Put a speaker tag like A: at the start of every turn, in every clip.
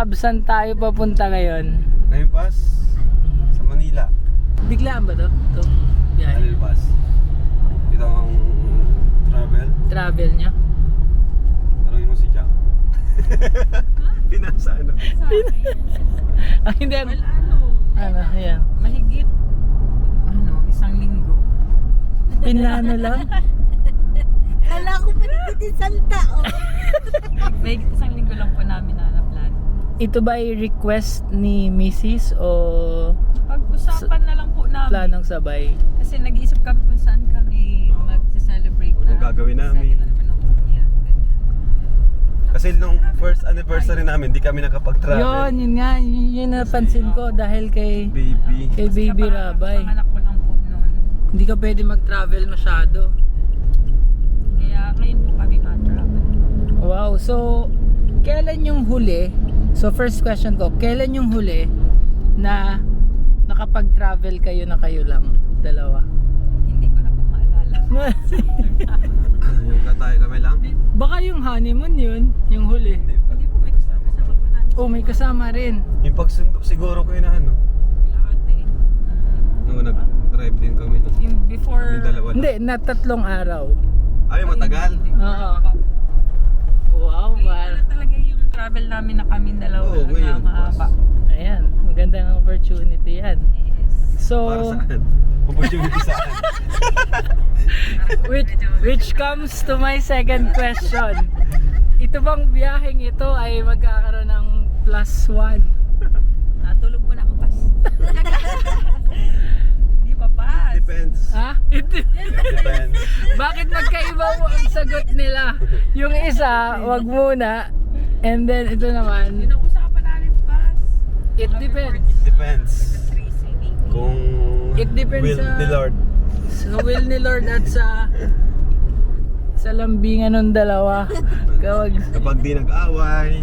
A: saan tayo papunta ngayon?
B: Ngayon pas sa Manila.
A: Biglaan ba to? Itong biyahe?
B: Alil pas. Ito ang
A: Travel niya?
B: Tanungin mo si Jack. Pinasa ano?
A: Ah, hindi.
C: Well, ano?
A: Ano, ayan.
C: Mahigit, isang linggo.
A: Pinlano lang?
D: Kala ko pinigit isang tao.
C: Mahigit isang linggo lang po namin na-plan.
A: Ito ba ay request ni Mrs. o
C: Pag-usapan na lang po namin.
A: planong sabay?
C: Kasi nag-iisip kami kung saan kami mag-celebrate
B: Anong gagawin namin?
C: Second anniversary. Yeah, ganyan.
B: Kasi nung first anniversary namin, di kami nakapag-travel.
A: Yun nga, yun napansin ko dahil kay Baby Rabay.
C: Panganak ko lang po noon.
A: Hindi ka pwede mag-travel masyado.
C: Kaya ngayon po kami ma-travel.
A: Wow, so kailan yung huli? So first question ko, kailan yung huli na nakapag-travel kayo na kayo lang, dalawa?
C: Hindi ko na po maalala.
B: Yung katay kami lang.
A: Baka yung honeymoon yun, yung huli.
C: Hindi po, may kasama po namin.
A: Oh, may kasama rin.
B: Yung pagsundo siguro kayo na ano.
C: Lahat eh.
B: Nung nag-drive din kami.
C: Yung before...
B: Kami dalawa.
A: Hindi, na 3 araw.
B: Ay, matagal.
A: Oo. Wow,
C: Ngayon na talaga yung travel namin na kaming dalawa.
B: Oo, ngayon,
C: mahaba.
A: Ayan, magandang opportunity yan.
C: Yes.
A: So,
B: Para saan? Opportunity saan?
A: which comes to my second question. Ito bang biyaheng ito ay magkakaroon ng +1?
C: Tulog muna ako, pas. Hindi pa, pas.
B: Depends.
A: Ha?
B: Depends.
A: Bakit magkaiba ang sagot nila? Yung isa, wag muna. And then ito naman,
C: Pinag-usapan namin, pas.
A: it depends.
B: Depends. Kung
A: It depends
B: will
A: sa-
B: ni Lord.
A: Sa will ni Lord at sa lambingan ng dalawa.
B: Kapag di nag-away.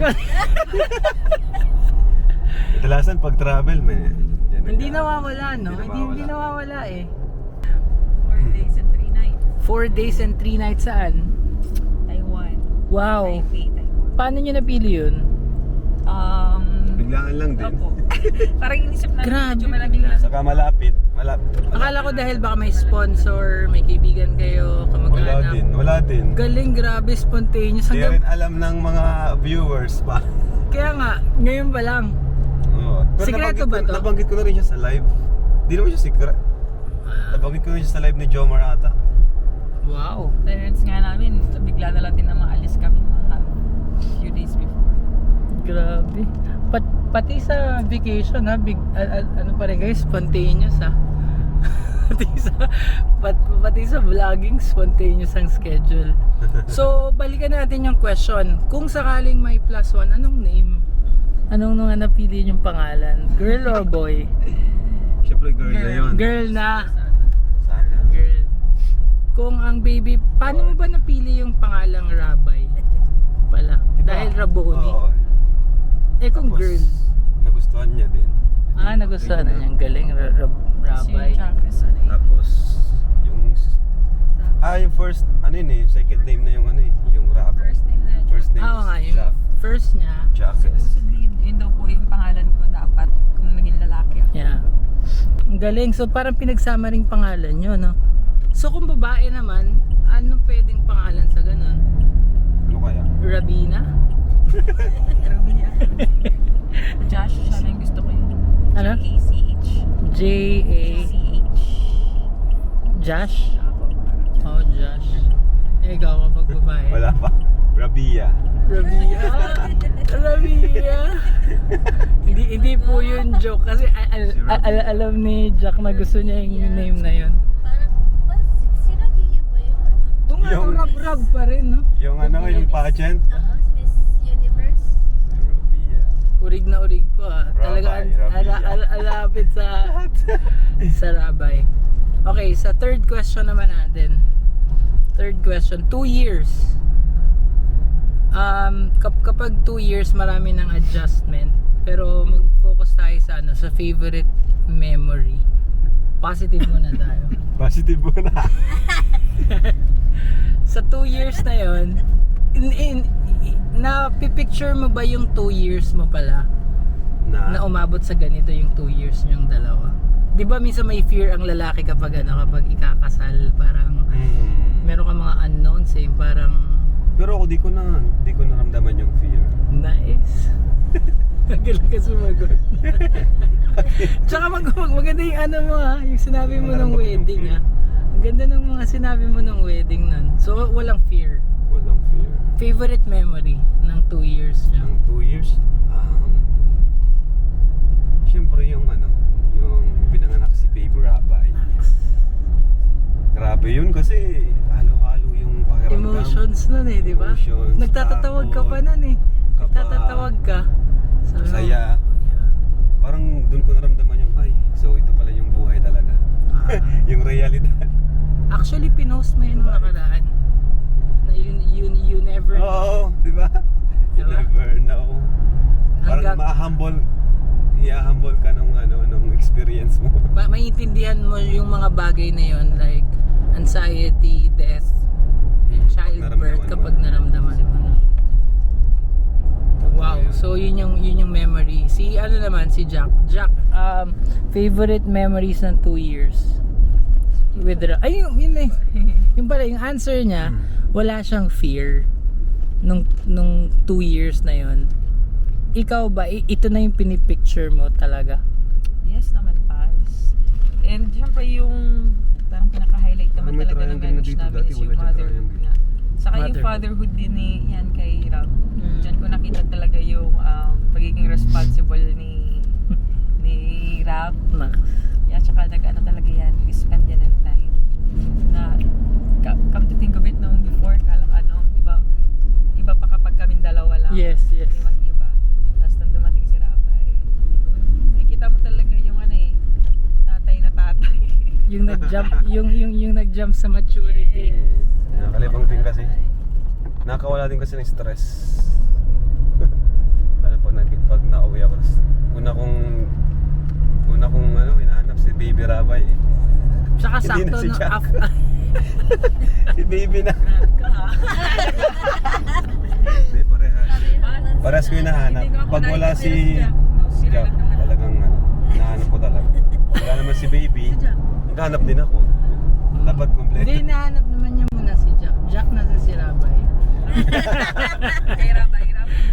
B: Kadalasan pag travel, may yan
A: Hindi
B: nag-
A: nawawala, no?
B: Hindi
A: Hindi
B: nawawala.
A: nawawala eh.
C: 4 days and 3 nights.
A: 4 days and 3 nights saan?
C: Taiwan.
A: Wow.
C: Taipei, Taiwan.
A: Paano nyo napili yun?
B: Biglaan lang din.
C: Opo. Parang inisip namin
A: Grabe,
C: medyo malamig lang.
B: Saka malapit.
A: Akala ko dahil baka may sponsor, may kaibigan kayo, kamag-anak.
B: Wala din.
A: Galing, grabe, spontaneous.
B: Hindi
A: Hanggang,
B: rin alam ng mga viewers pa.
A: kaya nga, ngayon pa lang.
B: Oo. Pero
A: Sikreto ba to?
B: Nabanggit ko na rin siya sa live. Hindi naman siya secret. Nabanggit ko na rin siya sa live ni Jomar ata.
A: Wow.
C: Parents nga namin, bigla na lang din na maalis kami mga few days before.
A: Grabe. Pati sa vacation ha, ano pa rin guys, spontaneous ha. pati sa vlogging, spontaneous ang schedule. So, balikan natin yung question. Kung sakaling may +1, anong name? Anong nung napili yung pangalan? Girl or boy?
B: Siyempre girl na yun.
A: Girl na.
B: Sana.
A: Girl. Kung ang baby, paano mo ba napili yung pangalang Rabay? Pala.
B: Diba?
A: Dahil Raboni.
B: Oo.
A: Eh kung
B: Tapos,
A: girl.
B: nagustuhan niya din.
A: Nagustuhan na niyang galing
C: Kasi
A: Rabay.
C: yung Jacques,
B: Tapos, yung first, ano yun eh, second name na yung ano eh, yung rapper.
C: First name na
B: First name
A: Oo nga,
B: is
A: yung first niya.
B: Jacques.
C: Supposedly, yun daw po yung pangalan ko dapat kung naging lalaki ako.
A: Yeah. Ang galing. So parang pinagsama ring pangalan nyo, no? So kung babae naman, ano pwedeng pangalan sa ganun?
B: Ano kaya?
A: Rabina?
C: Grabe niya. Josh, siya na yung gusto ko yun.
A: Ano?
C: J-A-C-H.
A: J-A... Josh? Oh, Josh. Eh, ikaw kapag babae.
B: Wala pa. Rabia.
A: Rabia. Rabia. hindi po yun joke kasi alam ni Jack na gusto niya yung name na yun.
D: Parang si Rabia ba yun?
A: Ito nga,
B: Yung-
A: rab-rab pa rin, no?
B: Yung ano, yung pageant.
D: Miss Universe.
B: Rabia.
A: Urig na urig po ah. Talaga
B: Rabay.
A: alapit sa Rabay. Okay, sa third question naman natin. Third question, 2 years. Kapag 2 years, marami ng adjustment. Pero mag-focus tayo sa sa favorite memory. Positive muna tayo.
B: Positive mo na.
A: Sa 2 years na yon, pipicture mo ba yung 2 years mo pala na umabot sa ganito yung 2 years niyong dalawa? Di ba minsan may fear ang lalaki kapag kapag ikakasal, parang meron ka mga unknowns eh, parang
B: Pero ako di ko naramdaman yung fear.
A: nice. Tagalan ka sumagot. Tsaka maganda yung mo yung sinabi mo ng wedding Ang ganda ng mga sinabi mo ng wedding nun. So walang fear.
B: Walang fear.
A: Favorite memory ng 2 years niya?
B: Yung 2 years, siyempre yung pinanganak si Baby Rabay. Grabe yun kasi halo-halo yung pakiramdam.
A: Emotions nun eh, di ba?
B: Emotions,
A: Nagtatatawag ka pa nun eh.
B: kaba,
A: Nagtatatawag ka. Sabi mo,
B: saya. Parang dun ko naramdaman yung, so ito pala yung buhay talaga. Yung realidad.
A: Actually, pinost mo yun nung nakaraan. Na you never know.
B: Oo, di ba? You
A: Diba?
B: never know. Parang
A: Hanggang-
B: i-humble ka nung experience mo.
A: Maintindihan mo yung mga bagay na yun, like anxiety, death, and childbirth kapag naramdaman mo na. Wow, so yun yung memory. Si si Jack. Jack, favorite memories ng 2 years with yun eh. Yung pala yung answer niya, wala siyang fear nung 2 years na yun. Ikaw ba, ito na yung pinipicture mo talaga?
C: Yes naman, Paz. And syempre yung parang pinaka-highlight naman
B: May
C: talaga ng
B: triangle na
C: marriage
B: dito,
C: namin
B: dati
C: is
B: wala
C: yung
B: dyan
C: motherhood
B: triangle.
C: nga. Saka yung
A: Motherhood.
C: fatherhood din ni yan kay Rob. Diyan ko nakita talaga yung pagiging responsible ni Rob. Yeah, tsaka talaga yan, we spend yan ng time. Na, come to think of it noong before, iba pa kapag kaming dalawa lang.
A: Yes.
C: Ibang iba. Tapos nung dumating si Rapay, nakikita mo talaga yung tatay na tatay.
A: Yung nag-jump, yung nag-jump sa maturity.
B: Nakalibang din kasi. Nakawala din kasi ng stress. Lalo pag nauwi ako. Una kong hinahanap si Baby Rabay.
A: Tsaka
B: Hindi na
A: sakto
B: si
A: no,
B: Jack. Si Baby na. Hindi, parehas ko yung nahanap. Pag wala si Jack, talagang hinahanap ko talaga. Wala naman si Baby, naghahanap din ako. Dapat kompleto.
A: Hindi, nahanap naman niya muna si Jack. Jack nasa si Rabay.
C: Kay Rapay.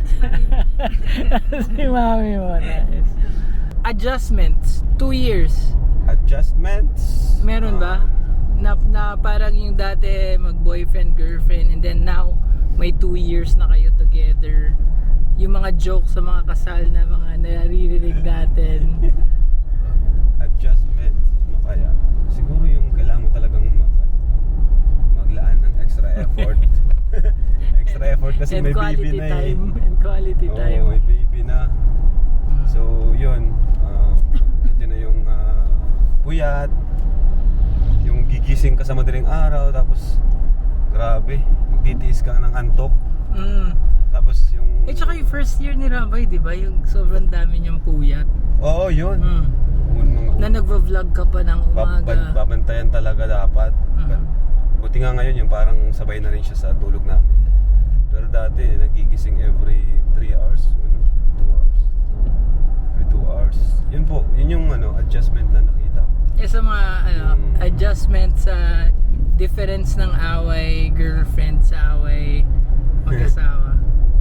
A: Si mami mo. Nice. Adjustments, 2 years.
B: Adjustments?
A: Meron ba? Na parang yung dati mag-boyfriend, girlfriend, and then now may 2 years na kayo together. Yung mga jokes sa mga kasal na mga naririnig natin.
B: Adjustments? Ano kaya? Siguro yung kailangan mo talagang maglaan ng extra effort. Extra effort kasi
A: And
B: may
A: quality
B: baby na
A: time. And quality
B: Oo,
A: time.
B: may baby na. So, yun. Ito na yung puyat. Yung gigising ka sa madaling araw. Tapos, grabe. Magtitiis ka ng antok. Tapos yung...
A: Tsaka yung first year ni Rabay, di ba? Yung sobrang dami niyang puyat.
B: Oo, yun.
A: Na nagvo-vlog ka pa ng umaga.
B: Babantayan talaga dapat. Buti nga ngayon yung parang sabay na rin siya sa tulog namin. Pero dati, nagigising every 3 hours. 2 hours. Every 2 hours. Yun po, yun yung adjustment na nakita ko.
A: Sa mga adjustment sa difference ng away girlfriend sa away mag-asawa.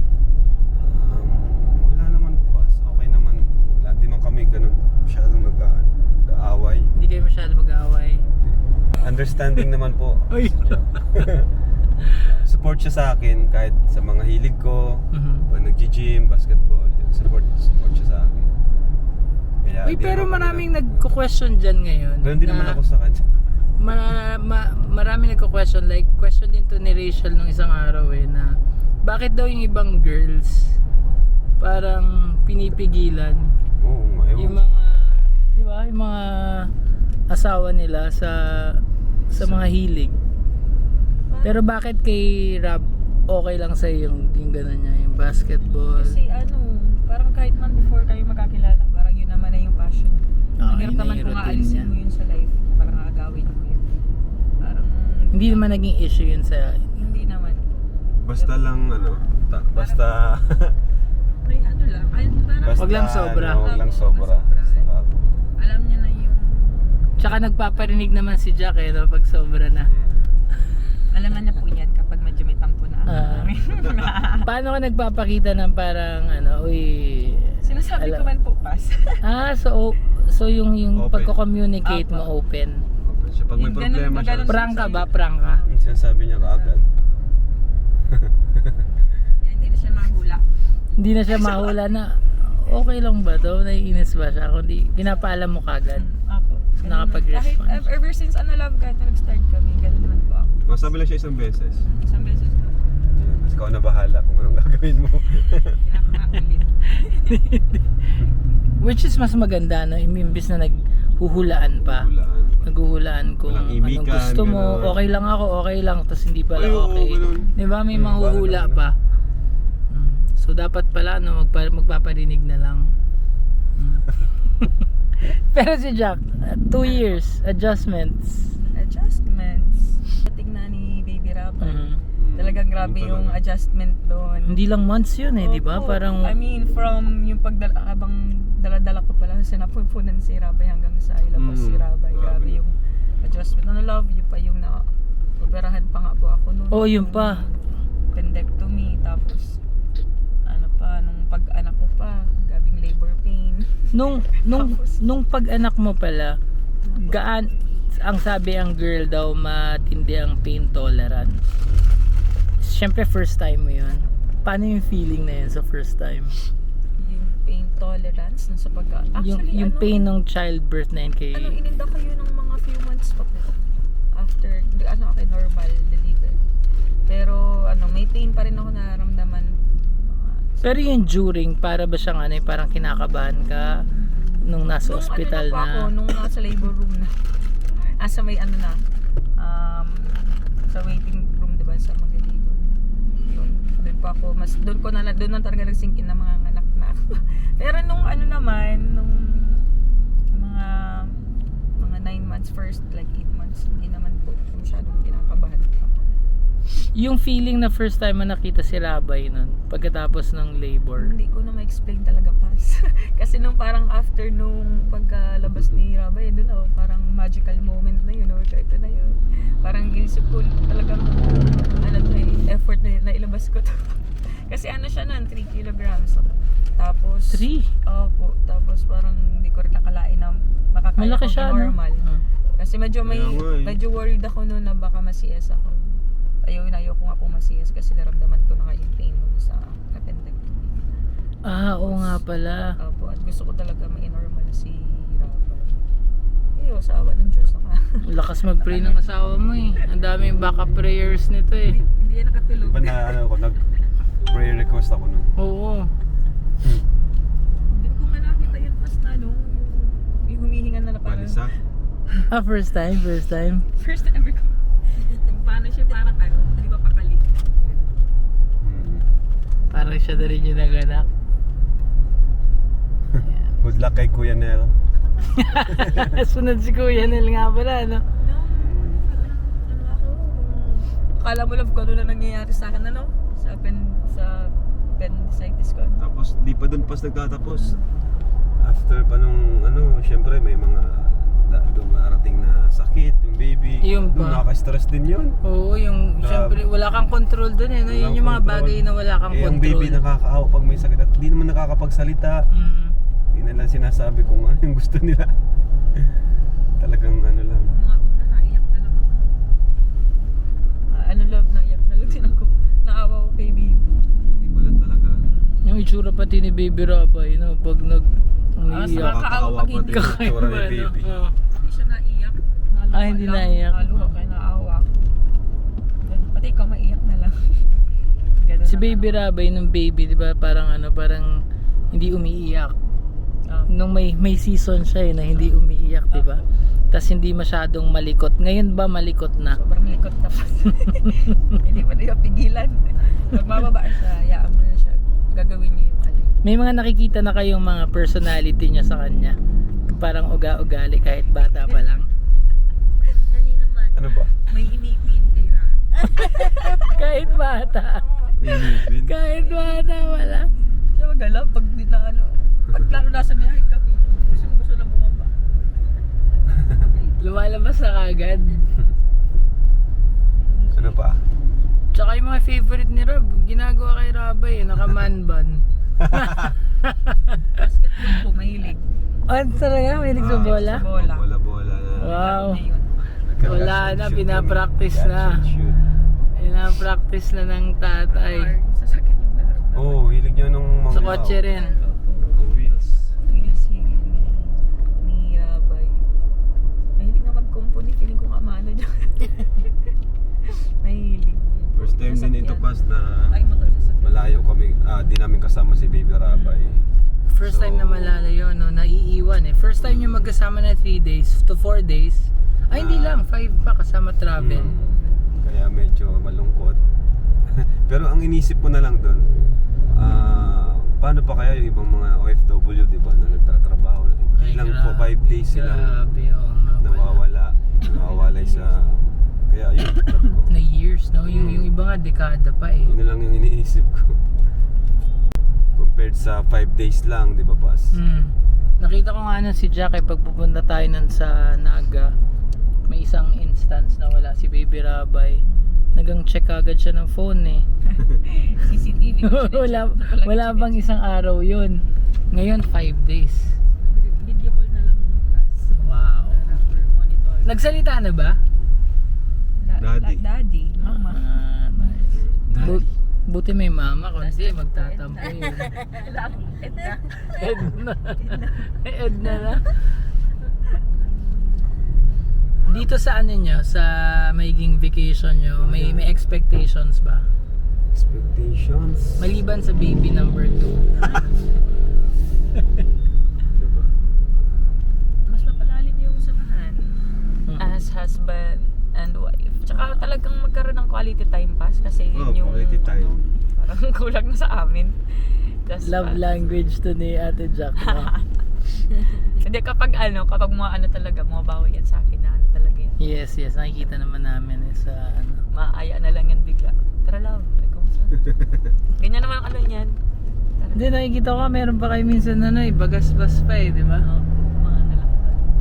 B: Wala naman pa. Okay naman. Wala. Di man kami ganun masyadong nag-aaway.
A: Hindi kayo masyado mag-aaway.
B: Understanding naman po.
A: Uy.
B: Support siya sa akin kahit sa mga hilig ko. Pag nag-gym, basketball, yun, support siya sa akin. Kaya,
A: Uy, pero maraming nagko-question dyan ngayon.
B: Ganun din naman ako sa kanya.
A: Maraming nagko-question, like question din to ni Rachel nung isang araw na bakit daw yung ibang girls parang pinipigilan
B: Oo,
A: yung mga, di ba, yung mga asawa nila sa mga hilig. Pero bakit kay Rob okay lang sa yung gano'n niya, yung basketball?
C: Kasi parang kahit man before kayo magkakilala, parang yun naman na yung passion. Ang hirap
A: yun na
C: naman
A: yung
C: kung
A: routine
C: aalisin
A: niya.
C: mo yun sa life, parang aagawin mo yun. Parang
A: Hindi naman naging issue yun sa...
C: hindi naman.
B: Basta lang Basta
C: May ano lang. Ay, parang
B: basta
A: Wag lang sobra.
B: ano, wag lang sobra. Saka,
C: alam niya na yung
A: Tsaka nagpaparinig naman si Jack eh, no, pag sobra na.
C: alam na niya po yan kapag medyo may tampo na.
A: Paano ka nagpapakita ng parang ano, uy...
C: Sinasabi ko man po pass.
A: So yung
B: Open.
A: pagko-communicate mo open.
B: open siya. Pag may
C: Yung ganun,
B: problema siya,
C: ganun.
A: Prank ka ba? Prank ka?
B: yung sinasabi niya kaagad.
C: Kaya hindi na siya mahula.
A: Hindi na siya mahula na okay lang ba to? Naiinis ba siya? Kundi pinapaalam mo kagad.
C: Apo.
A: Nakapag-response.
C: Kahit ever since love ka, nag-start kami, ganun naman po ako.
B: Masabi lang siya isang beses.
C: Isang beses ko.
B: Yan. Tapos ikaw na bahala kung anong gagawin mo.
C: Pinakakakulit.
A: Which is mas maganda na imbis na naghuhulaan pa.
B: Hulaan.
A: Naghuhulaan kung
B: Walang
A: anong
B: imikan,
A: gusto mo,
B: gano'n.
A: okay lang ako, okay lang, tapos hindi pala
B: Ay, oo,
A: okay.
B: ganun.
A: Di ba may
B: Hmm,
A: manghuhula
B: parang
A: pa. So dapat pala no, magpaparinig na lang. Pero si Jack, 2 years, adjustments.
C: Adjustments. Tingnan ni Baby Rapper. Talagang grabe
B: Yung
C: yung
B: talaga.
C: adjustment doon.
A: Hindi lang months yun eh, di ba?
C: Opo.
A: Parang
C: I mean, from yung habang dala-dala ko pala sa napupunan si Rabay hanggang sa ilabas si Rabay. Grabe
B: grabe.
C: yung adjustment. Love you pa yung operahan pa nga po ako noon.
A: oh, yun pa.
C: Pendectomy. Tapos, ano pa, nung pag-anak ko pa, gabing labor pain.
A: Nung pag-anak mo pala, ang sabi ang girl daw matindi ang pain tolerant. Siyempre first time mo yun. Paano yung feeling na yun sa first time?
C: Yung pain tolerance nung sa Actually,
A: yung pain ng childbirth na yun kay...
C: ininda kayo ng mga few months pa po. After, normal delivery. Pero, may pain pa rin ako nararamdaman.
A: Pero yung during, para ba siyang parang kinakabahan ka nung nasa ospital
C: nung ako, nung nasa labor room na. Sa may sa waiting room, diba, sa mag-labor. Yun, doon pa ako, doon na talaga nag-sink in na mga anak na ako. Pero nung nung mga 9 months first, like 8 months, hindi naman po masyadong kinakabahan pa.
A: Yung feeling na first time mo nakita si Rabay nun, pagkatapos ng labor.
C: Hindi ko na ma-explain talaga pas. Kasi nung parang after nung pagkalabas ni Rabay, doon parang magical moment na yun. Ito na yun. Parang inisip ko talagang effort na ilabas ko to. Kasi siya nun, 3 kilograms. Tapos
A: 3?
C: Opo. Tapos parang hindi ko rin nakalain na makakaya
A: Malaki
C: ko
A: siya,
C: normal.
A: no?
C: Kasi medyo
B: Kaya nga eh.
C: medyo worried ako noon na baka ma-CS ako. Ayaw ko nga po ma-CS kasi naramdaman ko na nga yung pain nung sa appendectomy.
A: Oo nga pala.
C: Opo, at gusto ko talaga ma-normal si Rabay. Sa awa ng Diyos na
A: Lakas mag-pray ng asawa mo eh. Ang daming backup prayers nito eh.
C: Hindi yan nakatulog.
B: Iba na nag-prayer request ako nun.
A: Oo.
C: Hindi ko nga nakita yan pas na yung humihinga na parang
B: Palisa.
A: First time.
C: first time ever ko. Paano siya parang di ba pakali?
A: Parang siya na rin yung naganak.
B: Good luck kay Kuya Nel.
A: Sunod si Kuya Nel nga pala, no?
C: Akala mo love ko ano na nangyayari sa akin sa appendicitis ko.
B: Tapos di pa dun pas nagtatapos. After pa nung syempre may mga dumarating na sakit, yung baby.
A: Yung
B: Nung
A: pa.
B: nakaka-stress din yun.
A: Oo, yung syempre wala kang control dun eh. No? Yun yung mga bagay na wala kang
B: Yung
A: control.
B: baby nakakaawa pag may sakit at di naman nakakapagsalita. Di na lang sinasabi kung ano yung gusto nila. Talagang lang.
C: Mga una, naiyak na lang ako. Love, naiyak na lang din ako. Naawa ko kay baby.
B: Di pa lang talaga.
A: Yung itsura pati ni Baby Rabay, no? Pag umiiyak.
C: Nakakaawa pag hindi.
B: Yung itsura ni baby.
A: Oo.
C: Hindi siya naiyak.
A: Hindi naiyak.
C: Naluha kaya naawa ako. Pati ikaw maiyak na lang. Ganun
A: Si
C: na
A: Baby Rabay nung baby, di ba? Parang parang hindi umiiyak. Nung may season siya na hindi umiiyak, di ba? Tapos hindi masyadong malikot. Ngayon ba malikot na?
C: Sobrang likot tapos. Hindi pa niya pigilan. Pag mababa siya, hayaan mo na siya. Gagawin niya yung
A: May mga nakikita na kayong mga personality niya sa kanya. Parang uga-ugali kahit bata pa lang.
D: Kanino man?
B: Ano ba?
C: May inipin kay Ra.
A: Kahit bata.
B: Inipin.
A: Kahit wala.
C: Siya magala pag di na ano. Pag lalo nasa biyahe kami. Gusto lang bumaba.
A: Lumalabas na kagad.
B: Ano pa?
A: Tsaka yung mga favorite ni Rob, ginagawa kay Rabay, naka-man bun.
C: Basketball po, mahilig.
A: Ano talaga? May sa bola?
C: Sa bola.
B: Bola-bola na.
A: Wow.
C: Na yun.
A: Wala na,
B: Shoot
A: pinapractice
B: kami.
A: na.
B: Catch and shoot.
A: Pinapractice na ng tatay.
C: Or sasakyan yung laro.
B: Oo, hilig niya nung mga...
A: Sa kotse rin.
B: Mga wheels.
C: Wheels hilig ni Rabay. Mahilig nga mag-company. Feeling ko kamano dyan. Mahilig.
B: First time din ito pas na
C: Ay, motor sasakyan.
B: malayo kami. Di namin kasama si Baby Rabay.
A: First time na malalayo, no? Naiiwan eh. First time nyo magkasama na 3 days to 4 days. Ay, hindi lang. 5 pa kasama travel.
B: Kaya medyo malungkot. Pero ang inisip ko na lang doon, paano pa kaya yung ibang mga OFW, di ba, na nagtatrabaho na
A: Ay,
B: ilang po 5 days silang
A: Grabe, oo nga pala.
B: nawawalay sa... Kaya yun, sabi ko,
A: Na years, no? Yung iba nga, dekada pa eh.
B: yun na lang yung iniisip ko. Compared sa 5 days lang, di ba, Pas?
A: Nakita ko nga si Jack eh, pag pupunta tayo nun sa Naga, may isang instance na wala si Baby Rabay. Nag-check agad siya ng phone eh.
C: CCTV.
A: wala bang isang araw yun. Ngayon 5 days.
C: Video call na lang.
A: Wow.
C: Para for monitor.
A: Nagsalita na ba?
B: Daddy.
C: Daddy. Mama.
A: Nice.
B: Daddy.
A: Buti may mama kasi magtatampo yun.
C: Edna.
A: Edna. Edna na. Dito sa ano nyo, sa magiging vacation nyo, may expectations ba?
B: Expectations?
A: Maliban sa baby number 2.
B: Diba?
C: Mas mapalalim yung samahan. As husband and wife. Tsaka talagang magkaroon ng quality time pass kasi yun yung
B: quality time.
C: parang kulang na sa amin.
A: Love language to ni Ate Jack, no?
C: Hindi kapag talaga mabawi yan sa akin na ano talaga yan.
A: Yes, nakikita naman namin eh, sa ano.
C: Maaya na lang yan bigla. Tara love, ganyan naman ang ano niyan. Tara.
A: Hindi, nakikita ko meron pa kayo minsan bagas-bas pa eh, di ba?
C: Oo, mga ano lang.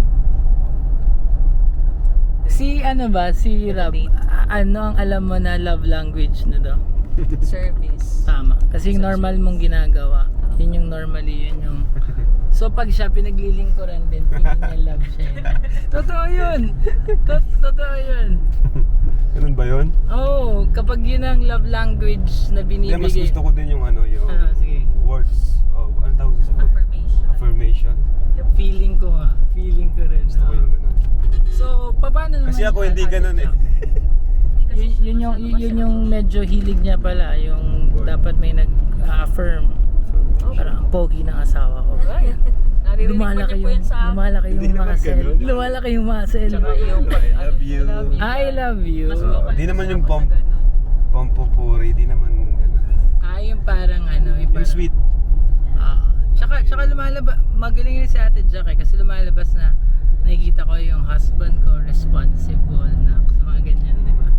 A: Si Rab,
C: Date.
A: ano ang alam mo na love language na daw?
C: Service.
A: Tama. Kasi yung normal mong ginagawa, yun yung normally, yun yung... So pag siya pinaglilingkuran din, feeling niya love siya yun. Totoo yun! Totoo yun!
B: Ganun ba yun?
A: Oo, kapag yun ang love language na
B: Hindi, mas
A: binibigay.
B: gusto ko din yung
A: Sige.
B: words of, ano tawag sa
C: Affirmation.
B: affirmation.
A: Feeling ko rin.
B: Gusto ko yung ganun.
A: So, paano naman?
B: Kasi ako hindi ganun eh.
A: Yun yung medyo hilig niya pala, yung dapat may nag-affirm. Parang ang pogi ng asawa ko.
C: Naririnig ko niya po yan sa
A: Lumalaki
B: Hindi
A: yung
B: naman
A: muscle.
B: ganun.
A: Lumalaki yung muscle.
C: Tsaka yung
B: I love you.
A: I love you.
C: Mas vocal
B: Di naman
C: siya
B: yung
C: kapag ano.
B: pampupuri, di naman ganun.
A: Yung parang yung
B: Yung
A: parang,
B: sweet.
A: Tsaka lumalabas, magaling rin si Ate Jack eh, kasi lumalabas na nakikita ko yung husband ko responsible na mga ganyan, di ba?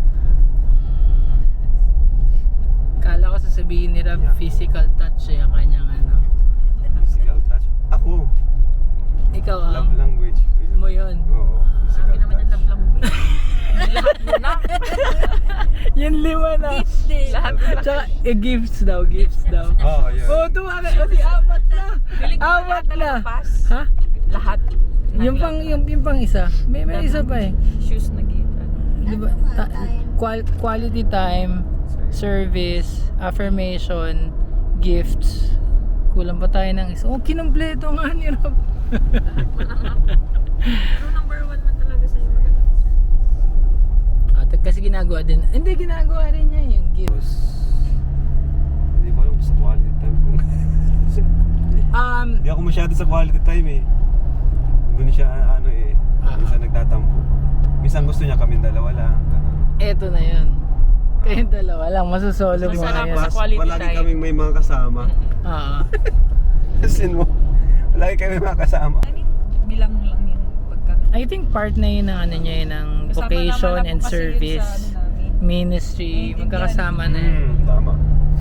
A: Kala ko sasabihin ni Rab,
B: Yeah.
A: physical touch yung kanyang
B: Physical touch. Ako,
A: Ikaw
B: love language.
A: mo yun.
B: Oo, physical
C: Sabi naman yung
B: touch.
C: love language. Lahat mo na.
A: Yung 5 na.
C: Lahat mo na.
A: Tsaka, gifts daw.
B: Oo, yun.
A: tuwa ka. Kasi apat na.
C: Feeling ko
A: Apat
C: lahat
A: na.
C: pass.
A: Ha?
C: Lahat.
A: Yung pang isa. May isa pa eh.
C: Shoes na gift.
A: Diba? Quality time, service, affirmation, gifts. Kulang pa tayo ng isa. Oh, kinumpleto nga ni Rob.
C: Pero number 1 man talaga sa'yo maganda.
A: Kasi ginagawa din. Hindi, ginagawa rin niya yung gift.
B: Tapos, hindi ko alam sa quality time kung... Hindi ako masyado sa quality time eh. Doon siya minsan nagtatampo. Minsan gusto niya kaming dalawa lang. Ganun.
A: Eto na yun. Kayong dalawa lang, masusolo mo
C: Masarap
A: ngayon.
C: sa quality
B: Palagi
C: time.
B: kaming may mga kasama.
A: Oo.
B: Palagi kami may mga kasama.
C: I mean, bilang lang yung pagka...
A: I think part na yun ng ng
C: Kasama
A: vocation
C: naman
A: and
C: ako kasi yun
A: service,
C: sa ano namin.
A: ministry, magkakasama na yun.
B: Tama.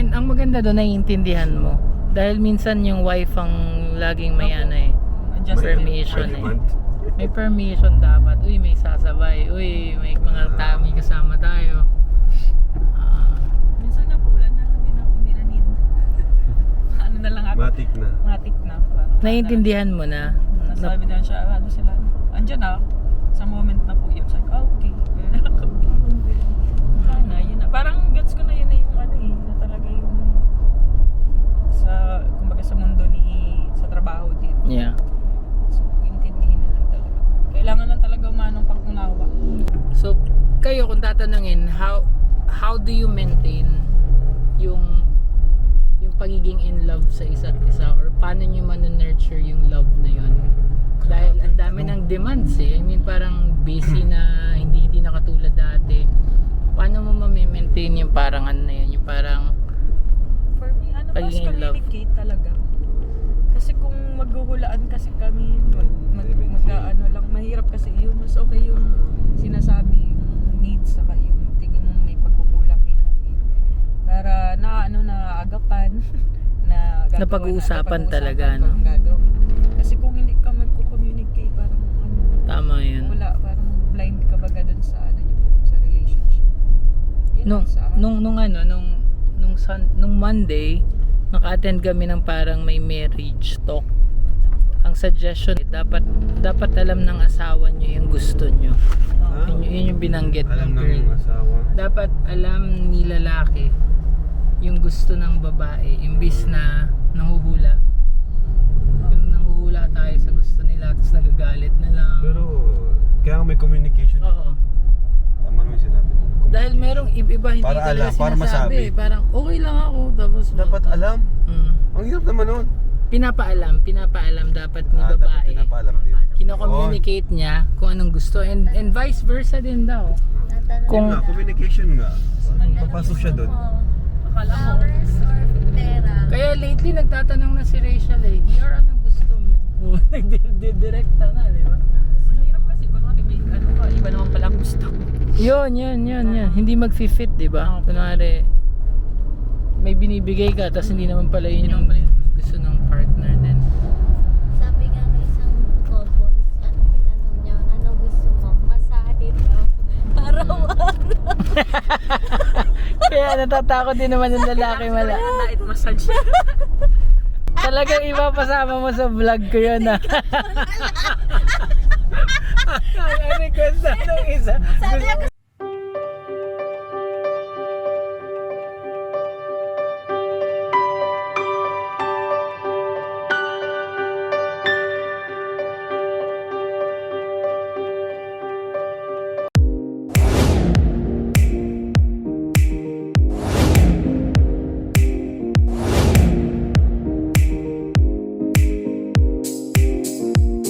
A: And ang maganda doon, naiintindihan mo. Dahil minsan yung wife ang laging may
C: Opo.
A: ano eh.
C: Adjust
A: Permission
B: Per
A: eh.
B: month.
A: May permission dapat. Uy, may sasabay. Uy, may mga may kasama tayo. Ah,
C: Minsan na po, wala na. Hindi na need. Ano na lang ako.
B: Matik na.
C: Matik na. Parang,
A: naiintindihan mo na.
C: Nasabi din siya, ano sila. Andyan na. Sa moment na po yun. Sabi ko, okay. Sana, yun na. Parang gets ko na yun na yung ano eh. Na talaga yung sa, kumbaga sa mundo ni, sa trabaho din.
A: Yeah.
C: So, intindihin na lang talaga. Kailangan lang talaga umanong pag-unawa.
A: So, kayo kung tatanungin, how do you maintain yung pagiging in love sa isa't isa, or paano nyo man-nurture yung love na yun? Dahil ang dami ng demands eh. I mean, parang busy na, hindi na katulad dati. Paano mo ma-maintain yung parang ano na yun? Yung parang
C: For me, ano, mas
A: Pagiging in love.
C: communicate talaga. Kasi kung maghuhulaan kasi kami, ano lang, mahirap kasi yun. Mas okay yung sinasabi, yung needs, saka yung tingin mo may pagkukulang in a way. Para naagapan, na gagawin,
A: Napag-uusapan talaga,
C: kung
A: no?
C: anong gagawin. Kasi kung hindi ka magko-communicate, parang ano,
A: tama yun.
C: wala, parang blind ka baga dun sa ano niyo po, sa relationship. Yun
A: Nung,
C: lang sa akin.
A: nung Monday, naka-attend kami ng parang may marriage talk. Ang suggestion, dapat alam ng asawa nyo yung gusto nyo.
B: Ah,
A: Yun yung binanggit
B: alam
A: ng girl.
B: ng asawa.
A: Dapat alam ni lalaki yung gusto ng babae, imbis na nanguhula. Yung nanguhula tayo sa gusto nila, tapos nagagalit na lang.
B: Pero, kaya may communication.
A: Oo.
B: Tama naman yung sinabi mo.
A: Dahil merong iba hindi
B: Para
A: talaga
B: alam, para
A: sinasabi.
B: masabi.
A: Parang okay lang ako, tapos
B: Dapat alam.
A: Mm.
B: Ang hirap naman nun.
A: Pinapaalam dapat ni
B: Dapat
A: babae.
B: pinapaalam din.
A: Kino-communicate niya kung anong gusto, and vice versa din daw.
D: Tatanong
A: Kung-
B: Yun nga, communication nga. Papasok siya doon.
C: Akala mo,
D: flowers or pera?
A: Kaya lately nagtatanong na si Rachel eh, ER, anong gusto mo? Nagdidirekta na, di ba?
C: ang hirap kasi kung may ano ka, iba naman pala ang gusto.
A: Yun. Hindi mag-fit, di ba? Kunwari, may binibigay ka, tapos hindi naman pala yun yung gusto ng partner din.
D: Sabi nga ng isang couple, tanong niya, ano gusto mo? Masahe daw. Araw-araw.
A: Kaya natatakot din naman yung lalaki mala.
C: Night massage.
A: Talagang ipapasama mo sa vlog ko yun ah. Ang request na nung isa.
D: Sabi niya